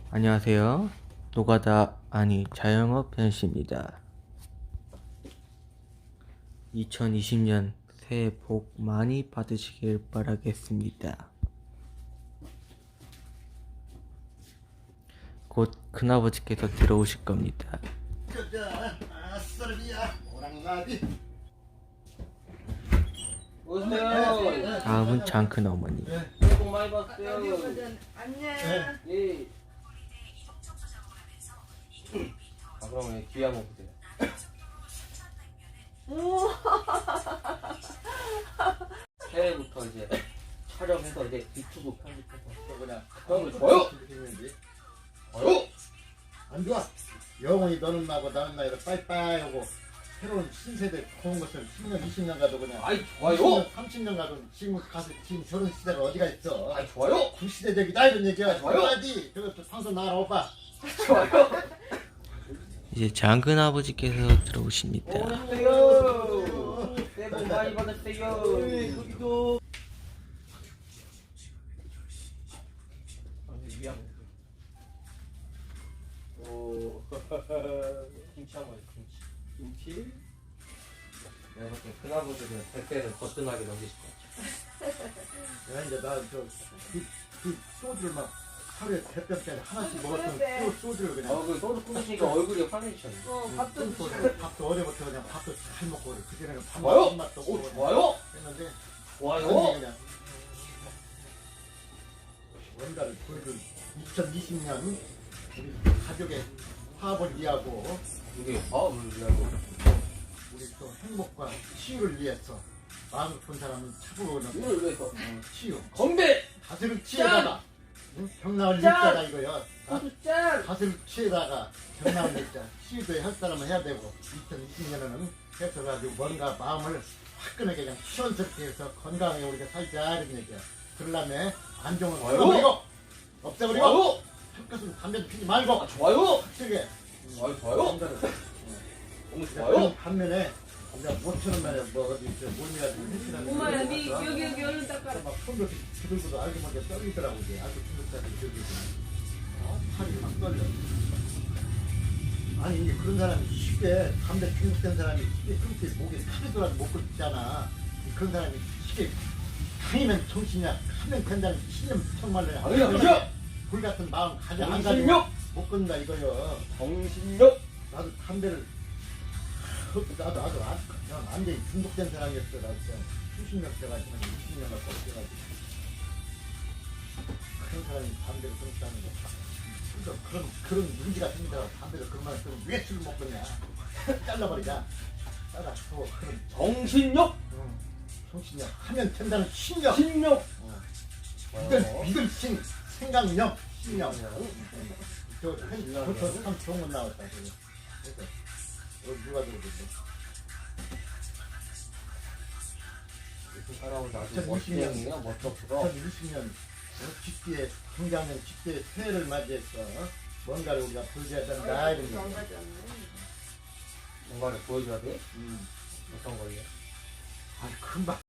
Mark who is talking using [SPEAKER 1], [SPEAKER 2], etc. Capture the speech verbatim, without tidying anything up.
[SPEAKER 1] 안녕하세요. 노가다 아니 자영업 현씨입니다. 이천이십 년 새해 복 많이 받으시길 바라겠습니다. 곧 큰아버지께서 들어오실 겁니다.
[SPEAKER 2] 오세요.
[SPEAKER 1] 다음은 장큰 어머니.
[SPEAKER 2] 새해 복 많이 받으세요.
[SPEAKER 3] 안녕.
[SPEAKER 2] 예. 아, 그러면 귀 한번 보세요. 새해부터 이제 촬영해서 이제 유튜브 편집해서 그냥 형을 줘요.
[SPEAKER 4] 좋아요? 안 좋아? 영원히 너는 나고 나는 나이로 빠이빠이 하고 새로운 신세대 좋은 것을 십 년, 이십 년 가도 그냥
[SPEAKER 2] 아이 좋아요.
[SPEAKER 4] 삼십 년 가도 지금 가서 지금 저런 시대가 어디가 있어?
[SPEAKER 2] 아이 좋아요.
[SPEAKER 4] 구시대적이다 이런 얘기야.
[SPEAKER 2] 좋아요.
[SPEAKER 4] 좋아야지. 저것도 방송 나가라 오빠.
[SPEAKER 2] 좋아요.
[SPEAKER 1] 이제 장큰 아버지께서 들어오십니다.
[SPEAKER 2] 오세요. 새해 복 많이 받으세요. 여기도. 오. 김치 한번 김치. 김치. 내가 볼때 큰아버지는 백배는 거뜬하게 넘기실 것 같아.
[SPEAKER 4] 야, 이제 나저 그, 그 소주를 막 하루에 대병짜리 하나씩 먹었던
[SPEAKER 3] 그래.
[SPEAKER 4] 소, 소주를 그냥
[SPEAKER 2] 어, 그 소주 끊으시니까 얼굴이 환해지셨네.
[SPEAKER 3] 어, 밥도
[SPEAKER 4] 큰
[SPEAKER 3] 드시고.
[SPEAKER 4] 소주, 밥도 어제부터 그냥 밥도 잘 먹고 그래. 그전에는 밥
[SPEAKER 2] 좋아요?
[SPEAKER 4] 먹은 맛도 없고
[SPEAKER 2] 오,
[SPEAKER 4] 그냥
[SPEAKER 2] 좋아요?
[SPEAKER 4] 했는데
[SPEAKER 2] 좋아요?
[SPEAKER 4] 완전히 그냥 뭔가를 보여준 이천이십 년 우리 가족의 화합을 위하고
[SPEAKER 2] 이게 마음을 위하고.
[SPEAKER 4] 우리 또 행복과 치유를 위해서 마음 깊은 사람은 차부고는
[SPEAKER 2] 이걸 위해서.
[SPEAKER 4] 어, 치유
[SPEAKER 2] 건배!
[SPEAKER 4] 가슴을 치에다가 응? 병나을
[SPEAKER 2] 짠!
[SPEAKER 4] 일자다 이거요. 아,
[SPEAKER 2] 소주 짠!
[SPEAKER 4] 가슴을 치에다가 병나을 일자 치유도 할 사람은 해야 되고 이천이십 년에는 해서 가지고 뭔가 마음을 화끈하게 그냥 시원스럽게 해서 건강하게 우리가 살자 이런 얘기야. 그러려면 안정을
[SPEAKER 2] 좋아요.
[SPEAKER 4] 없애버리고 없애버리고
[SPEAKER 2] 좋아요!
[SPEAKER 4] 헛것으로 담배 피지 말고
[SPEAKER 2] 아, 좋아요!
[SPEAKER 4] 확실하게
[SPEAKER 2] 좋아요, 좋아요? 너무 좋아요?
[SPEAKER 4] 그런 반면에 우리가 오천 원만에 뭐 어디 저 몰미가지고 해치라는
[SPEAKER 3] 엄마야, 니 여기 여기 얼른 닦아라.
[SPEAKER 4] 막 손도 두들고도 알고 모르게 떨리더라고 이제 아주 중독자들이 저기 어? 팔이 막 떨려. 아니 이게 그런 사람이 쉽게 담배 중독된 사람이 쉽게 끊기 목에 타이더라도 못 끊잖아. 그런 사람이 쉽게 강이면 정신이야 하면 된다는 신념 정말로
[SPEAKER 2] 당연하죠!
[SPEAKER 4] 불 같은 마음 가져 안 가지고
[SPEAKER 2] 정신력!
[SPEAKER 4] 못 끊는다 이거요.
[SPEAKER 2] 정신력!
[SPEAKER 4] 나도 담배를 나도 나도 안, 그냥 완전히 중독된 사람이었어. 나도 그냥 수십 년 돼가지고 이십 년 갖고 돼가지고 그런 사람이 담배를 끊었다는 거. 그러니까 그런 그런 문제가 생기다가 담배를 그런 말을 끊으면 왜 술을 먹겠냐? 잘라버리자. 잘라. 또 그런
[SPEAKER 2] 정신력!
[SPEAKER 4] 응. 정신력 하면 된다는 신력.
[SPEAKER 2] 신력!
[SPEAKER 4] 어.
[SPEAKER 2] 어.
[SPEAKER 4] 믿을 믿을 신 생각력 신력. 저저참 좋은 건 나왔다. 그래서 그래서 여기 누가 들어오겠어?
[SPEAKER 2] 사람은 아주
[SPEAKER 4] 이천이십 년.
[SPEAKER 2] 멋쟁이야, 멋쩍어.
[SPEAKER 4] 이천이십 년 집기에 중장년 집기의 새해를 맞이해서 뭔가를 우리가 보여줘야 된다 이런
[SPEAKER 3] 안
[SPEAKER 4] 얘기.
[SPEAKER 3] 가져왔네.
[SPEAKER 2] 뭔가를 보여줘야 돼?
[SPEAKER 4] 음.
[SPEAKER 2] 어떤 걸요?
[SPEAKER 4] 아니 금방